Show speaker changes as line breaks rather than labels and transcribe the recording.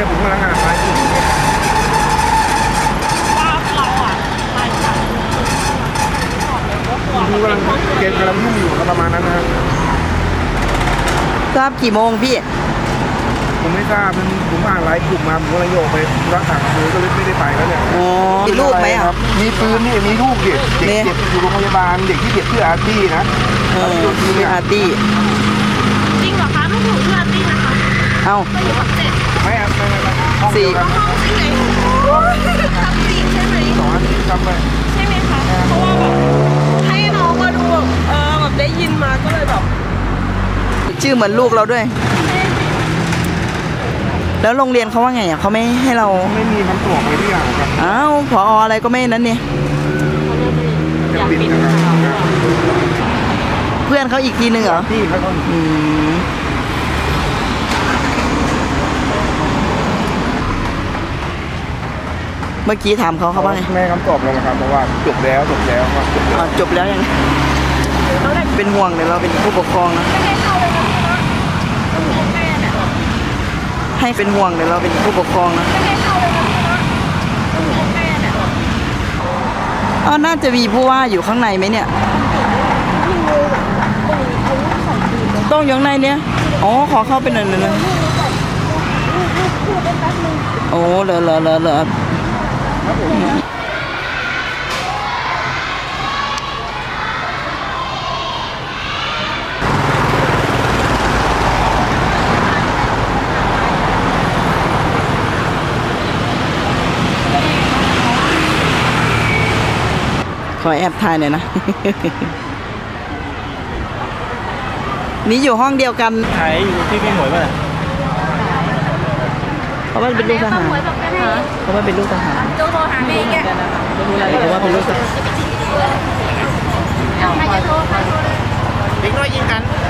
ผมกำลังอ่านไลน์อยู่
ว่าเราอ่ะไปจาก
ดูกำลังเกมกำลังยุ่งอยู่ประมาณนั้นนะครับ
ทราบกี่โมงพี่
ผมไม่ทราบผมอ่านไลน์กลุ่มมาผมกำลังโยกไปรักษาคือก็เลยไม่ได้ไปแล้วเนี่ย
อ๋อมีลูกไหมอ่ะ
มีปืนนี่มีลูกเด็กเจ็บอยู่โรงพยาบาลเด็กที่เจ็บชื่ออาร์ตี้นะ
ชื่ออาร์ตี้
จริงเหรอคะลูกหนูชื่ออาร์ตี้นะคะ
เอ้า
ไปอยู่กับเจ็ด
ไม่ครับห้องเดียวกัน
ห้องที่ไหนทำจริงใช่ไหม
2 อาทิตย์ทำไป
ใช่ไหมคะเพราะว่าแบบให้น้องมาดูแบบได้ยินมาก็เลยแบบ
ชื่อเหมือนลูกเราด้วยแล้วโรงเรียนเขาว่าไงอ่ะเขาไม่ให้เรา
ไม่มีคำตอบเลยที่อย่างครับ
อ้าวผออะไรก็ไม่นั้นเนี่ย
จะปิดนะครับ
เพื่อนเขาอีกทีนึงเหรอ
ที่เขา
เมื่อกี้ถามเขาว่าไง
ไม่คำตอบเลยนะครับเพราะว่าจบแล้วครับ
จบแล้วยังเป็นห่วงเดี๋ยวเราเป็นผู้ปกครองนะให้เป็นห่วงเดี๋ยวเราเป็นผู้ปกครองนะน่าจะมีผู้ว่าอยู่ข้างในไหมเนี่ยต้องอยู่ข้างในเนี่ยอ๋อขอเข้าไปหน่อยนึงโอ้เหรอขอแอบถ่ายหน่อยนะ นี่อยู่ห้องเดียวกัน
ถ่ายอยู่ที่พี่หมวยป่ะ
เขาว่าเป็นลูกทหารเขาว่าเป็นลูกทหาร
โทรหาแม่แก
เขาว่าเป็นลูกทหาร
ใครจะโทร
เด็กน้อยยิงกัน